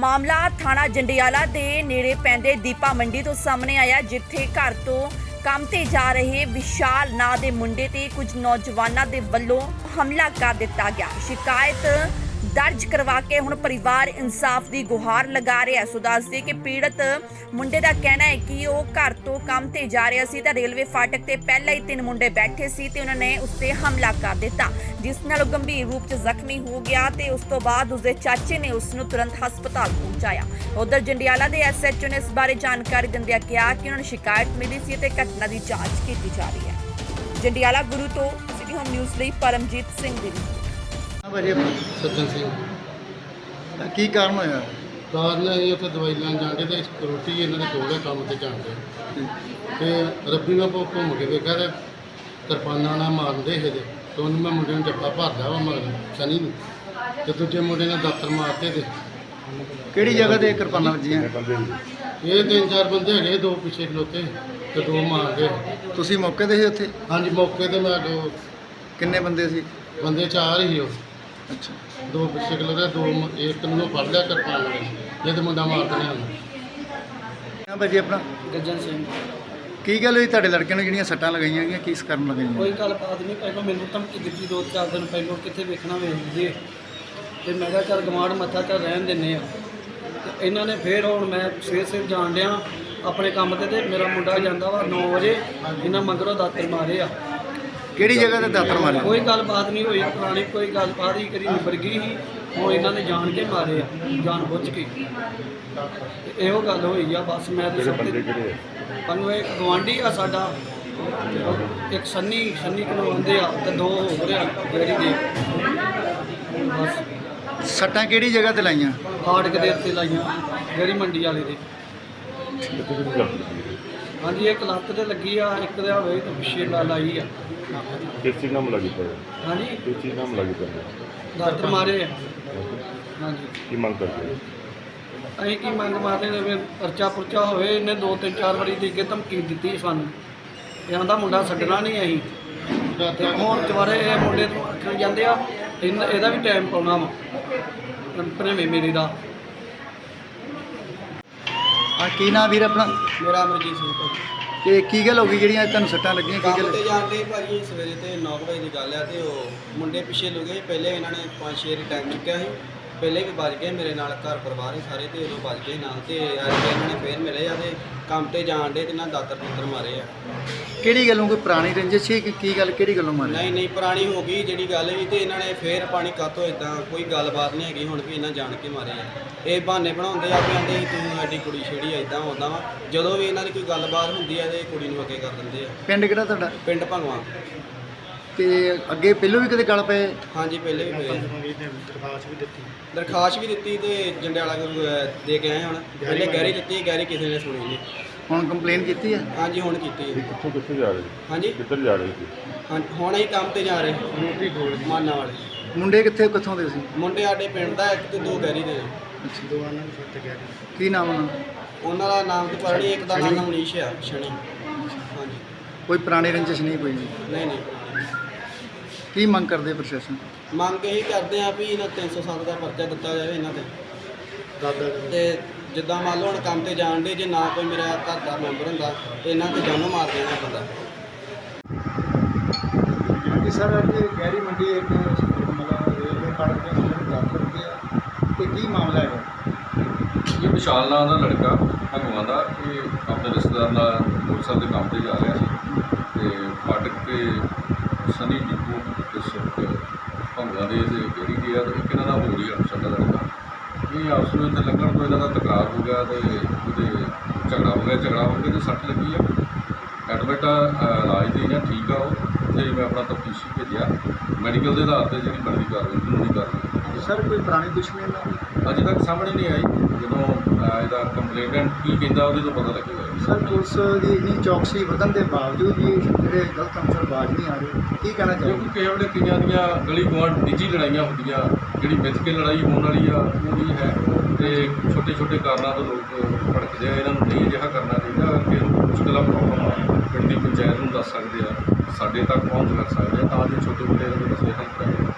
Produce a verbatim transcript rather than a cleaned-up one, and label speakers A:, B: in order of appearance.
A: मामला थाना जंडियाला दे नेड़े पैंदे दीपा मंडी तो सामने आया, जिथे घर तो काम ते जा रहे विशाल नां दे मुंडे ते कुछ नौजवानां दे वल्लों हमला कर दिता गया। शिकायत दर्ज करवा के हुण परिवार इंसाफ की गुहार लगा रहा है। सो दस दे कि पीड़ित मुंडे का कहना है कि वो घर तो काम ते जा रहा सी, रेलवे फाटक ते पहले ही तीन मुंडे बैठे सी ते उन्होंने उस ते हमला कर दिता, जिस नाल गंभीर रूप च जख्मी हो गया ते उस तो बाद उसके चाचे ने उसनूं तुरंत हस्पताल पहुंचाया। उधर जंडियाला के एस एच ओ ने इस बारे जानकारी दिंदिआं कहा कि उन्होंने शिकायत मिली सी ते घटना की जांच की जा रही है। जंडियाला गुरु तो सिटी होम न्यूज़ ਲਈ परमजीत सिंह ਦੀ ਰਿਪੋर्ट।
B: सज्जन सिंह
C: ਕੀ ਕਾਰਨ ਹੋਇਆ?
B: ਕਾਰਨ ਇਹ ਉੱਥੇ ਦਵਾਈ ਲੈਣ ਜਾਂਦੇ ਤੇ ਰੋਟੀ ਇਹਨਾਂ ਦੇ ਕੋਲ ਹੈ, ਕੰਮ ਤੇ ਜਾਂਦੇ ਤੇ ਰੱਬੀ ਨਾਲ ਘੁ- ਘੁੰਮ ਕੇ ਵੇਖਿਆ ਤੇ ਕਿਰਪਾਨਾਂ ਨਾਲ ਮਾਰਦੇ ਸੀ ਤੇ ਉਹਨੂੰ ਮੈਂ ਮੁੰਡੇ ਨੂੰ ਜੱਫਾ ਭਰਦਾ ਵਾ ਮਗਰ ਸਨੀ ਨੂੰ, ਤੇ ਦੂਜੇ ਮੁੰਡੇ ਨੇ ਦਾਤਰ ਮਾਰਤੇ ਤੇ
C: ਕਿਹੜੀ ਜਗ੍ਹਾ ਤੇ ਕਿਰਪਾਨਾਂ ਵੱਜੀਆਂ?
B: ਇਹ ਤਿੰਨ ਚਾਰ ਬੰਦੇ ਹੈਗੇ, ਦੋ ਪਿੱਛੇ ਖਲੋਤੇ ਤੇ ਦੋ ਮਾਰ ਗਏ।
C: ਤੁਸੀਂ ਮੌਕੇ ਤੇ ਸੀ ਉੱਥੇ?
B: ਹਾਂਜੀ, ਮੌਕੇ ਤੇ ਮੈਂ ਦੋ
C: ਕਿੰਨੇ ਬੰਦੇ ਸੀ?
B: ਬੰਦੇ ਚਾਰ ਹੀ ਉਹ,
C: ਅੱਛਾ,
B: ਦੋ ਪਿੱਛੇ ਖਲੋਤੇ, ਦੋ ਮ- ਇੱਕ ਨੂੰ ਫੜ ਲਿਆ ਕਿਰਪਾਨ ਨਾਲ, ਇਹ ਤੇ ਮੁੰਡਾ ਮਾਰ ਦੇਣਾ ਉਹਨੂੰ।
C: ਹਾਂ ਭਾਜੀ, ਆਪਣਾ
D: ਗੱਜਨ ਸਿੰਘ।
C: ਕੀ ਗੱਲ ਹੋਈ ਤੁਹਾਡੇ ਲੜਕੇ ਨੂੰ ਜਿਹੜੀਆਂ ਸੱਟਾਂ ਲਗਾਈਆਂ ਗਈਆਂ, ਕਿਸ ਕਾਰਨ ਲਗਾਈਆਂ?
D: ਕੋਈ ਗੱਲਬਾਤ ਨਹੀਂ, ਪਹਿਲਾਂ ਮੈਨੂੰ ਧਮਕੀ ਦਿੱਤੀ ਦੋ ਚਾਰ ਦਿਨ ਪਹਿਲਾਂ, ਕਿੱਥੇ ਵੇਖਣਾ ਵੇਖ ਲਈਏ, ਤੇ ਮੈਂ ਕਿਹਾ ਚੱਲ ਗਵਾਂਢ ਮੱਥਾ ਚੱਲ ਰਹਿਣ ਦਿੰਦੇ ਆ। ਤੇ ਇਹਨਾਂ ਨੇ ਫੇਰ ਹੁਣ ਮੈਂ ਸਵੇਰ ਸਵੇਰ ਜਾਣ ਡਿਆ ਆਪਣੇ ਕੰਮ ਤੇ, ਤੇ ਮੇਰਾ ਮੁੰਡਾ ਜਾਂਦਾ ਵਾ ਨੌ ਵਜੇ, ਇਹਨਾਂ ਮਗਰੋਂ ਦਾਤਰ ਮਾਰੇ ਆ।
C: ਕਿਹੜੀ ਜਗ੍ਹਾ ਤੇ ਦਾਤਰ ਮਾਰੇ?
D: ਕੋਈ ਗੱਲਬਾਤ ਨਹੀਂ ਹੋਈ ਪੁਰਾਣੀ, ਕੋਈ ਗੱਲਬਾਤ ਹੀ ਕਰੀ ਨਿਬੜ ਗਈ ਸੀ। ਹੁਣ ਇਹਨਾਂ ਨੇ ਜਾਣ ਕੇ ਮਾਰੇ ਆ, ਜਾਣ ਬੁੱਝ ਕੇ। ਤੇ ਇਹੋ ਗੱਲ ਹੋਈ ਆ ਬਸ। ਮੈਂ ਤੇ ਸਭ ਤੇ ਸਾਨੂੰ ਇੱਕ ਗਵਾਂਢੀ ਆ ਸਾਡਾ, ਇੱਕ ਸੰਨੀ ਸੰਨੀ ਕਨਵਾਉਂਦੇ ਆ, ਤੇ ਦੋ ਹੋ ਰਿਹਾ ਜਿਹੜੀ ਦੇ ਬਸ
C: ਸੱਟਾਂ ਕਿਹੜੀ ਜਗ੍ਹਾ ਤੇ ਲਾਈਆਂ?
D: ਫਾਟਕ ਦੇ ਉੱਤੇ ਲਾਈਆਂ, ਜਿਹੜੀ ਮੰਡੀ ਵਾਲੇ ਦੇ। ਹਾਂਜੀ, ਇੱਕ ਲੱਤ ਤੇ ਲੱਗੀ ਆ, ਇੱਕ ਦੇ ਹੋਵੇ ਤੇ ਪਿੱਛੇ ਲਾ ਲਾਈ ਆ।
E: किस चीज़ नाम लगी पड़े?
D: ਹਾਂਜੀ,
E: किस चीज़ नाम लगी पड़े?
D: ਦਾਤਰ ਮਾਰੇ ਆ। ਹਾਂਜੀ,
E: की मांग करते हैं?
D: ਅਸੀਂ ਕੀ ਮੰਗ ਮਾਰਦੇ ਨੇ ਵੀ ਪਰਚਾ ਪੁਰਚਾ ਹੋਵੇ। ਇਹਨੇ ਦੋ ਤਿੰਨ ਚਾਰ ਵਾਰੀ ਦੇ ਕੇ ਧਮਕੀ ਦਿੱਤੀ ਸਾਨੂੰ, ਇਹ ਆਂਦਾ ਮੁੰਡਾ ਛੱਡਣਾ ਨਹੀਂ ਅਸੀਂ। ਤੇ ਹੁਣ ਦੁਬਾਰੇ ਇਹ ਮੁੰਡੇ ਨੂੰ ਆਖਣ ਜਾਂਦੇ ਆ, ਇਹਨ- ਇਹਦਾ ਵੀ ਟਾਈਮ ਪਾਉਣਾ ਵਾ ਭਣੇਵੇਂ ਮੇਰੇ ਦਾ।
C: ਆ ਕੀ ਨਾਂ ਵੀਰ ਆਪਣਾ?
D: ਮੇਰਾ ਅਮਰਜੀਤ ਸਿੰਘ ਭਾਜੀ।
C: ਤੇ ਕੀ ਗੱਲ ਹੋ ਗਈ ਜਿਹੜੀਆਂ ਤੁਹਾਨੂੰ ਸੱਟਾਂ ਲੱਗੀਆਂ? ਕੀ
F: ਕੰਮ
C: ਗੱਲ?
F: ਤੇ ਜਾਂਦੇ ਭਾਜੀ ਸਵੇਰੇ ਤੇ ਨੌ ਕੁ ਵਜੇ ਦੀ ਗੱਲ ਆ, ਤੇ ਉਹ ਮੁੰਡੇ ਪਿੱਛੇ ਲੁਕੇ। ਪਹਿਲੇ ਇਹਨਾਂ ਨੇ ਪੰਜ ਛੇ ਵਾਰੀ ਟਾਈਮ ਚੁੱਕਿਆ ਸੀ, ਪਹਿਲੇ ਵੀ ਵੱਜ ਗਏ ਮੇਰੇ ਨਾਲ, ਘਰ ਪਰਿਵਾਰ ਹੀ ਸਾਰੇ, ਤੇ ਉਦੋਂ ਵੱਜ ਗਏ ਨਾਲ। ਤੇ ਅੱਜ ਇਹਨਾਂ ਨੇ ਫੇਰ ਮਿਲੇ ਆ ਤੇ ਕੰਮ ਤੇ ਜਾਣ ਡੇ ਤੇ ਇਹਨਾਂ ਦਾਤਰ ਪੁੱਤਰ ਮਾਰੇ ਆ।
C: ਕਿਹੜੀ ਗੱਲੋਂ? ਕੋਈ ਪੁਰਾਣੀ ਰੰਜਿਸ਼ ਸੀ ਕਿ ਕੀ ਗੱਲ? ਕਿਹੜੀ ਗੱਲੋਂ ਮਾਰੇ?
F: ਨਹੀਂ ਨਹੀਂ, ਪੁਰਾਣੀ ਹੋ ਗਈ ਜਿਹੜੀ ਗੱਲ ਵੀ, ਤੇ ਇਹਨਾਂ ਨੇ ਫੇਰ ਪਾਣੀ ਕਾਤੋਂ ਇਦਾਂ ਕੋਈ ਗੱਲਬਾਤ ਨਹੀਂ ਹੈਗੀ ਹੁਣ ਵੀ ਇਹਨਾਂ ਜਾਣ ਕੇ ਮਾਰੇ ਆ। ਇਹ ਬਹਾਨੇ ਬਣਾਉਂਦੇ ਆ ਵੀ ਆਂਦੇ ਤੂੰ ਐਡੀ ਕੁੜੀ ਛੇੜੀ ਇਦਾਂ ਹੁੰਦਾ ਵਾ। ਜਦੋਂ ਵੀ ਇਹਨਾਂ ਦੀ ਕੋਈ ਗੱਲਬਾਤ ਹੁੰਦੀ ਆ ਤੇ ਕੁੜੀ ਨੂੰ ਅੱਗੇ ਕਰ ਦਿੰਦੇ ਆ।
C: ਪਿੰਡ ਕਿਹੜਾ ਤੁਹਾਡਾ?
F: ਪਿੰਡ ਭੰਗਵਾ।
C: ਤੇ ਅੱਗੇ ਪਹਿਲੋਂ ਵੀ ਕਦੇ ਗੱਲ ਪਏ?
F: ਹਾਂਜੀ, ਪਹਿਲੇ ਵੀ ਪਏ। ਦਰਖਾਸਤ ਵੀ ਦਿੱਤੀ ਤੇ ਜੰਡਿਆਲਾ ਗੁਰੂ ਅਹ, ਦੇ ਕੇ ਆਏ ਹੁਣ। ਪਹਿਲੇ ਗਹਿਰੀ ਦਿੱਤੀ, ਗਹਿਰੀ ਕਿਸੇ ਨੇ ਸੁਣੀ ਨਹੀਂ।
C: ਹੁਣ ਕੰਪਲੇਨ ਕੀਤੀ ਆ?
F: ਹਾਂਜੀ, ਹੁਣ ਕੀਤੀ ਹੈ।
E: कितों कितने जा रहे थे?
F: ਹਾਂਜੀ
E: किधर जा रहे थे?
F: ਹਾਂਜੀ, ਹੁਣ ਅਸੀਂ ਕੰਮ ਤੇ ਜਾ ਰਹੇ
C: ਰੋਟੀ ਖੋਲ।
F: ਮਾਨਾ ਵਾਲੇ।
C: ਮੁੰਡੇ ਕਿੱਥੇ ਕਿੱਥੋਂ ਦੇ ਸੀ?
F: ਮੁੰਡੇ ਸਾਡੇ ਪਿੰਡ ਦਾ ਇੱਕ ਤੇ ਦੋ ਗਹਿਰੀ ਦੇ ਨੇ।
C: ਕੀ ਨਾਮ ਉਹਨਾਂ?
F: ਉਹਨਾਂ ਦਾ ਨਾਮ ਤੇ ਪਤਾ ਨਹੀਂ, ਇੱਕ ਦਾ ਨਾਮ ਮਨੀਸ਼ ਆ, ਸ਼ਨੀ। ਹਾਂਜੀ,
C: ਕੋਈ ਪੁਰਾਣੀ ਰੰਜਿਸ਼ ਨਹੀਂ ਕੋਈ?
F: ਨਹੀਂ ਨਹੀਂ।
C: ਕੀ ਮੰਗ ਕਰਦੇ ਪ੍ਰਸ਼ਾਸਨ?
F: ਮੰਗ ਇਹੀ ਕਰਦੇ ਆ ਵੀ ਇਹਨਾਂ ਤਿੰਨ ਸੌ ਸੱਤ ਦਾ ਪਰਚਾ ਦਿੱਤਾ ਜਾਵੇ ਇਹਨਾਂ ਤੇ। ਤੇ ਜਿੱਦਾਂ ਮੰਨ ਲਓ ਹੁਣ ਕੰਮ ਤੇ ਜਾਣ ਦੇ, ਜੇ ਨਾ ਕੋਈ ਮੇਰਾ ਘਰ ਦਾ ਮੈਂਬਰ ਹੁੰਦਾ ਤੇ ਇਹਨਾਂ ਤੇ ਜਾਨੋਂ ਮਾਰ ਦੇਣਾ ਬੰਦਾ।
C: ਹਾਂਜੀ ਸਰ, ਅੱਜ ਗਹਿਰੀ ਮੰਡੀ ਇੱਕ ਮਤਲਬ ਰੇਲਵੇ ਫਾਟਕ ਦੇ ਅੰਦਰ ਦਾਖਲ ਹੋ ਗਿਆ, ਤੇ ਕੀ ਮਾਮਲਾ ਹੈਗਾ?
G: ਇਹ ਵਿਸ਼ਾਲ ਨਾਂ ਦਾ ਲੜਕਾ ਭਗਵਾਨ ਦਾ, ਇਹ ਆਪਣੇ ਰਿਸ਼ਤੇਦਾਰ ਨਾਲ ਮੋਟਰਸਾਈਕਲ ਦੇ ਕੰਮ ਤੇ ਜਾ ਰਿਹਾ ਸੀ, ਤੇ ਫਾਟਕ ਤੇ ਸਨੀ ਡਿਪੂ ਤੇ ਸੁੱਖ ਭਗਵਾਨ ਦੇ ਤੇ ਗੇੜੀ ਗਿਆ, ਤੇ ਇੱਕ ਇਹਨਾਂ ਦਾ ਹੋ ਰਹੀ ਅਫਸਰ ਦਾ ਲੜਕਾ। ਇਹ ਆਪਸ ਵਿੱਚ ਲੱਗਣ ਤੋਂ ਇਹਨਾਂ ਦਾ ਤਕਰਾਰ ਹੋ ਗਿਆ ਤੇ ਉਹਦੇ ਝਗੜਾ ਹੋ ਗਿਆ। ਝਗੜਾ ਹੋ ਕੇ ਤੇ ਸੱਟ ਲੱਗੀ ਆ। ਐਡਮਿਟ ਇਲਾਜ ਦੀ ਜਾਂ ਠੀਕ ਆ ਉਹ, ਤੇ ਮੈਂ ਆਪਣਾ ਤਫਤੀਸ਼ੀ ਭੇਜਿਆ। ਮੈਡੀਕਲ ਦੇ ਆਧਾਰ 'ਤੇ ਜਿਹੜੀ ਬਣਦੀ ਕਾਰਵਾਈ ਕਾਨੂੰਨੀ ਕਾਰਵਾਈ।
C: ਸਰ, ਕੋਈ ਪੁਰਾਣੀ ਦੁਸ਼ਮਣੀ ਨਾਲ?
G: ਅਜੇ ਤੱਕ ਸਾਹਮਣੇ ਨਹੀਂ ਆਈ। ਜਦੋਂ ਅਹ, ਇਹਦਾ ਕੰਪਲੇਨੈਂਟ ਕੀ ਕਹਿੰਦਾ ਉਹਦੇ ਤੋਂ ਪਤਾ ਲੱਗੇਗਾ।
C: ਸਰ, ਪੁਲਿਸ ਦੀ ਇੰਨੀ ਚੌਕਸੀ ਵਧਣ ਦੇ ਬਾਵਜੂਦ ਵੀ ਜਿਹੜੇ ਗਲਤ ਅੰਸਰ ਬਾਜ਼ ਨਹੀਂ ਆ ਰਹੇ, ਕੀ ਕਹਿਣਾ ਚਾਹੀਦਾ?
G: ਕਿਉਂਕਿ ਕਿਸੇ ਵੇਲੇ ਕਈਆਂ ਦੀਆਂ ਗਲੀ ਗੁਆਂਢ ਨਿੱਜੀ ਲੜਾਈਆਂ ਹੁੰਦੀਆਂ, ਜਿਹੜੀ ਮਿੱਥ ਕੇ ਲੜਾਈ ਹੋਣ ਵਾਲੀ ਆ ਉਹ ਵੀ ਹੈ, ਤੇ ਛੋਟੇ ਛੋਟੇ ਕਾਰਨਾਂ ਤੋਂ ਲੋਕ ਭੜਕਦੇ ਆ। ਇਹਨਾਂ ਨੂੰ ਨਹੀਂ ਅਜਿਹਾ ਕਰਨਾ ਚਾਹੀਦਾ। ਕਿ ਮੁਸ਼ਕਿਲਾਂ ਪ੍ਰੋਬਲਮ ਆ ਪਿੰਡ ਦੀ ਪੰਚਾਇਤ ਨੂੰ ਦੱਸ ਸਕਦੇ ਆ, ਸਾਡੇ ਤੱਕ ਪਹੁੰਚ ਕਰ ਸਕਦੇ ਆ, ਤਾਂ ਜੋ ਛੋਟੇ ਮੋਟੇ ਮਸਲੇ ਹੱਲ ਕਰਾਏ।